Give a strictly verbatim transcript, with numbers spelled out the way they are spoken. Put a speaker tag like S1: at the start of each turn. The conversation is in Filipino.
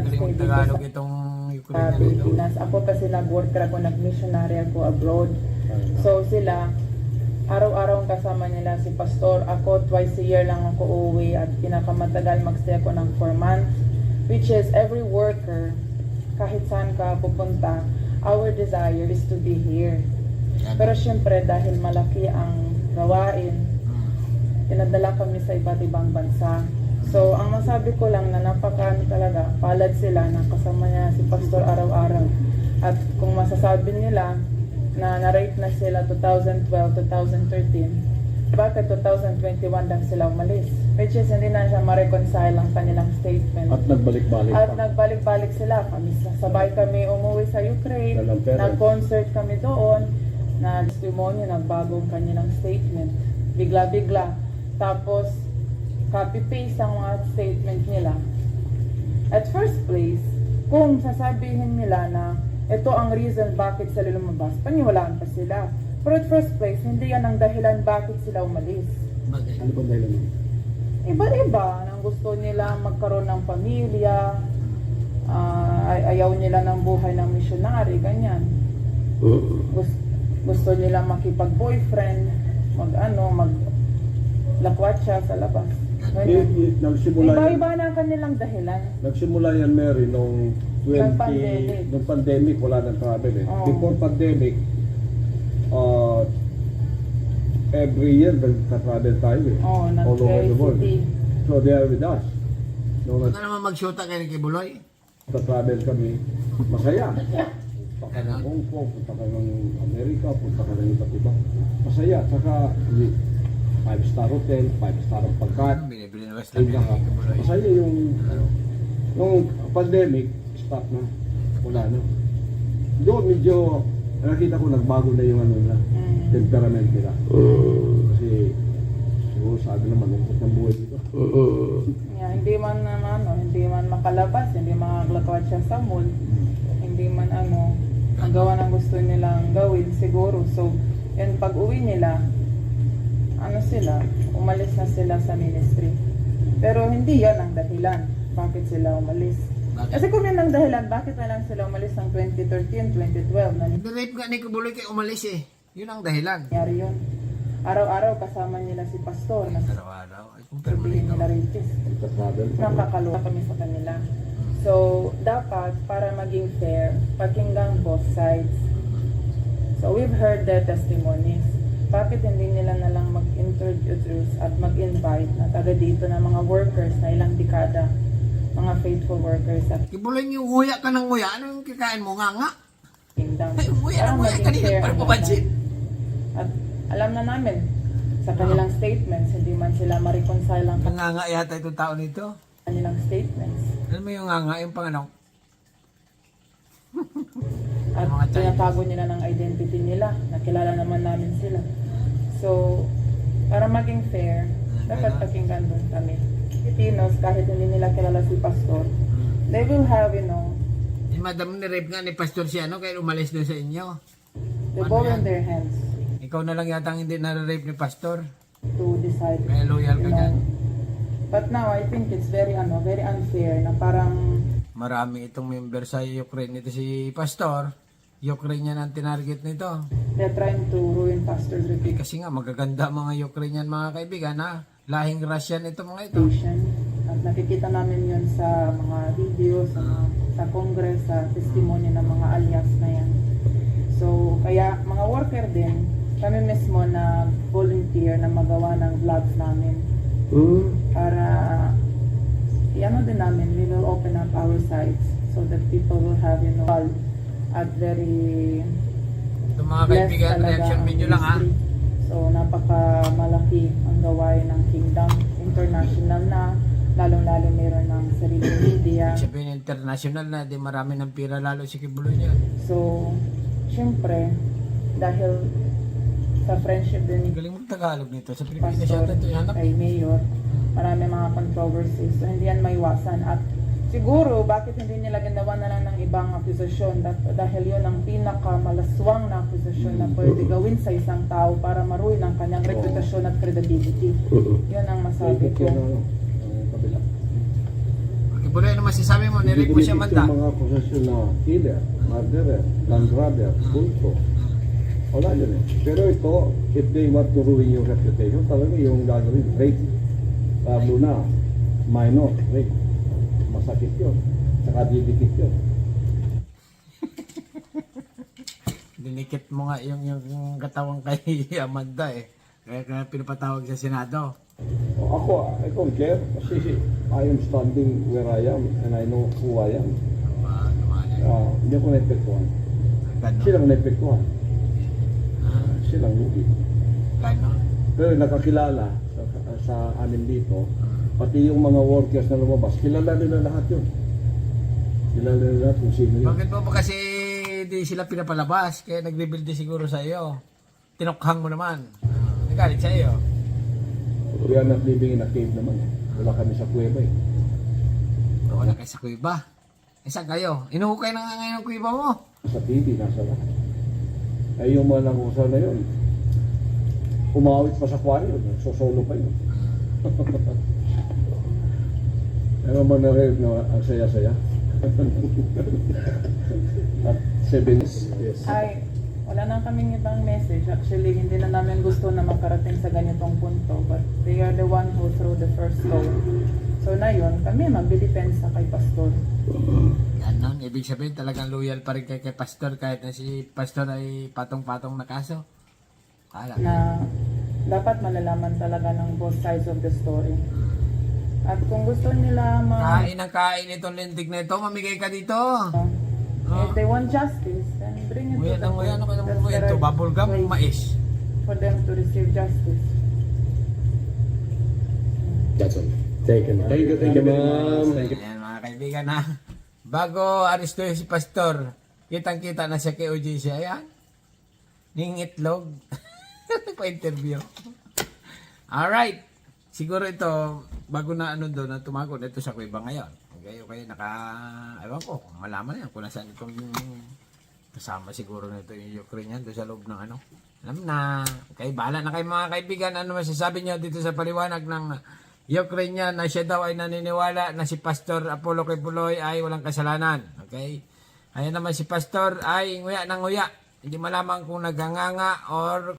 S1: Galing
S2: stay
S1: ng
S2: dito
S1: Tagalog
S2: sa
S1: itong
S2: uh,
S1: Ukrainian dito.
S2: Pilipinas. Ako kasi nag-worker ako, nag-missionary ako abroad. So sila, araw-araw ang kasama nila si Pastor. Ako, twice a year lang ako uuwi at pinakamatagal magstay ako ng four months. Which is every worker, kahit saan ka pupunta, our desire is to be here. Pero syempre, dahil malaki ang gawain, pinadala kami sa iba't ibang bansa. So, ang masabi ko lang na napaka talaga, palad sila na kasama niya si Pastor araw-araw. At kung masasabi nila na na-rate na sila twenty twelve to twenty thirteen, bakit twenty twenty-one lang sila umalis? Which is hindi na siya ma-reconcile ang kanilang statement.
S3: At nagbalik-balik
S2: At
S3: pa.
S2: nagbalik-balik sila. Kami, sabay kami umuwi sa Ukraine.
S3: Walang pera.
S2: Nag-concert kami doon. Na testimony, nagbago ang kanilang statement. Bigla-bigla. Tapos, copy-paste ang mga statement nila. At first place, kung sasabihin nila na ito ang reason bakit sila lumabas, paniwalaan pa sila. Pero at first place, hindi yan ang dahilan bakit sila umalis.
S1: Bagay.
S3: Ano ba dahil mo?
S2: Iba-iba nang gusto nila magkaroon ng pamilya, ah, ay- ayaw nila ng buhay ng missionary, ganyan. Gusto, gusto nila makipag-boyfriend, mag-ano, mag-lakwatsa sa labas.
S3: Eh,
S2: Ganyan.
S3: eh, nagsimula yan,
S2: Iba-iba na ang kanilang dahilan.
S3: nagsimula yan, Mary, nung twenty,
S2: Nung pandemic.
S3: nung pandemic, wala nang travel eh.
S2: Oo.
S3: Before pandemic, uh, every year nagka-travel tayo eh.
S2: Oh,
S3: All over the world.
S2: nag-city.
S3: So they are with us. Nung
S1: Ano naman mag-shoota kayo kay Buloy?
S3: nagka-travel kami, masaya. Punta ka
S1: Ano?
S3: ng Hong Kong, punta ka ng Amerika, punta ka ng iba't iba. Masaya. Saka, five star hotel, five star ang pagkain.
S1: Binibili na West
S3: Ay,
S1: Lamia
S3: naka,
S1: kay Buloy.
S3: masaya yung, ano, nung pandemic, stop na. Wala na. Doon medyo, nakita ko nagbago na yung ano na,
S2: Mm.
S3: temperament nila. Kasi, siguro sabi naman, lungkot ng buhay dito.
S2: Yeah, hindi man naman, ano, hindi man makalabas, hindi makaklakwatsa sa mall, hindi man ano, magawa ng gusto nilang gawin siguro. So, yun pag uwi nila, ano sila, umalis na sila sa ministry. Pero hindi yan ang dahilan bakit sila umalis.
S1: Bakit?
S2: Kasi kung yan ang dahilan, bakit na lang sila umalis ng twenty thirteen, twenty twelve na
S1: Nirape nga ni Buloy kay umalis eh. Yun ang dahilan.
S2: nangyari yun. Araw-araw kasama nila si Pastor na
S1: Araw-araw. Ay, confirm mo
S2: sabihin
S1: dito.
S2: nila rapist.
S3: Nagka-travel pa.
S2: Nakakaluwa kami sa kanila. So, dapat para maging fair, pakinggan both sides. So, we've heard their testimonies. Bakit hindi nila na lang mag-introduce at mag-invite na taga dito na mga workers na ilang dekada, mga faithful workers sa
S1: Kay Buloy yung nguya ka ng nguya. Ano yung kikain mo? Nga nga.
S2: kingdom.
S1: Ay, nguya
S2: Para
S1: ng nguya.
S2: maging
S1: Kanina
S2: fair
S1: para
S2: ang
S1: papansin.
S2: lahat. At alam na namin, sa kanilang statements, hindi man sila ma-reconcile ang
S1: Nga nga yata itong tao nito.
S2: kanilang statements.
S1: Alam mo yung nga nga, yung panganak.
S2: At
S1: Mga Chinese.
S2: tinatago nila ng identity nila. Nakilala naman namin sila. So, para maging fair, dapat pakinggan doon kami. Filipinos, kahit hindi nila kilala si Pastor, they will have, you know,
S1: Si madam ni-rape nga ni Pastor si ano, kaya umalis doon sa inyo.
S2: the
S1: Ano
S2: ball
S1: yan?
S2: in their hands
S1: Ikaw na lang yata ang hindi na-rape ni Pastor.
S2: to decide.
S1: Kaya loyal ka
S2: you know.
S1: dyan.
S2: But now, I think it's very, ano, very unfair na parang
S1: Marami itong member sa Ukraine. Ito si Pastor. Ukrainian ang tinarget nito.
S2: they're trying to ruin Pastor's
S1: Eh,
S2: reputation.
S1: kasi nga magaganda mga Ukrainian mga kaibigan ha. Lahing Russian ito mga ito.
S2: At nakikita namin yun sa mga videos, sa, sa Congress, sa testimony ng mga alias na yan. So, kaya mga worker din, kami mismo na volunteer na magawa ng vlogs namin para iano din namin, we will open up our sites so that people will have, you know, at very
S1: Ito mga
S2: blessed
S1: kaibigan,
S2: talaga
S1: reaction
S2: ang
S1: video lang ha.
S2: ministry. So, napaka-malaki ang gawain ng Kingdom. International na, lalong-lalo meron ng sariling media.
S1: Sabihin international na, di marami ng pira lalo si Kibuloy niya.
S2: So, syempre, dahil sa friendship din ni
S1: Galing mo Tagalog nito. Sa Pilipinas
S2: Pastor
S1: yata ito hanap.
S2: kay Mayor, marami mga controversies. So, hindi yan maiwasan. At siguro, bakit hindi nila ginawa na lang ng ibang akusasyon? Dah- Dahil yun ang pinakamalaswang na akusasyon na pwede gawin sa isang tao para maruin ang kanyang reputasyon at credibility. Yun ang masabi ko.
S3: Yung, uh, kabila.
S1: Buloy, ano masasabi mo? Nirek mo siya
S3: Dinidikit
S1: manda.
S3: yung mga akusasyon na killer, murderer, land grabber, bulto. Wala yun eh. Pero ito, if they want to ruin your reputation, talaga yung gagawin, rape. Pablo na, minor, rape. Masakit yun. Saka didikit yun.
S1: Dinikit mo nga yung, yung, yung katawang kay Amanda eh. Kaya, kaya pinapatawag sa Senado.
S3: O ako, I don't care. Kasi I am standing where I am and I know who I am.
S1: Ah, naman eh.
S3: Uh, hindi ako naepektuhan.
S1: Ganon.
S3: Silang naepektuhan.
S1: Ah,
S3: Silang lugi.
S1: ganon.
S3: Pero nakakilala sa, sa amin dito, pati yung mga workers na lumabas, kilala nila lahat yun. Kilala nila lahat kung sino yun.
S1: Bakit mo ba kasi di sila pinapalabas? Kaya nag-rebuild din siguro sa iyo. Tinukhang mo naman. Nagalit sa iyo.
S3: We are not living in a cave naman. Wala kami sa kuweba eh.
S1: Pero wala kayo sa kuiba. Eh saan kayo? Inuhukay na nga ngayon ang kuiba mo.
S3: Sa T V, nasa lahat. Ay yung mga nangusa na yun, umawit pa sa kwaryo, sosolo pa yun. Ano man na-rev na ang saya-saya? At seven yes.
S2: Ay, wala na kaming ibang message. Actually, hindi na namin gusto na makarating sa ganitong punto. But they are the one who threw the first stone. So na yun, kami magdidepensa kay Pastor.
S1: Ganon. Ibig sabihin talagang loyal pa rin kay, kay Pastor kahit na si Pastor ay patong-patong na kaso. Kala.
S2: Na dapat malalaman talaga ng both sides of the story. At kung gusto nila ma...
S1: Kain ang kain itong lindig na ito. Mamigay ka dito.
S2: If they want justice, then bring it
S1: Nguya
S2: to the
S1: ng nguya. Ano ka
S2: That's
S1: nang
S2: the
S1: nguya ito?
S2: right
S1: Bubble gum
S2: way
S1: o mais?
S2: for them to receive justice.
S4: That's all. Thank you, ma'am.
S3: Thank you, thank you, ma'am.
S4: Thank you.
S1: Ayan mga kaibigan ha. Bago aristo si Pastor, kitang-kita na siya kay O J C. Ayan. Ning itlog. Nagpa-interview. Alright. Siguro ito, bago na ano doon, na tumagot ito sa kuiba ngayon. Okay, okay, naka, ewan ko, kung malaman na yan, kung nasaan itong kasama siguro nito yung Ukrainian doon sa loob ng ano. Alam na, okay, bahala na kayo mga kaibigan, ano masasabi nyo dito sa paliwanag ng Ukrainian na siya daw ay naniniwala na si Pastor Apollo Kibuloy ay walang kasalanan. Okay? Ayan naman si Pastor ay nguya ng nguya. Hindi malaman kung naganganga or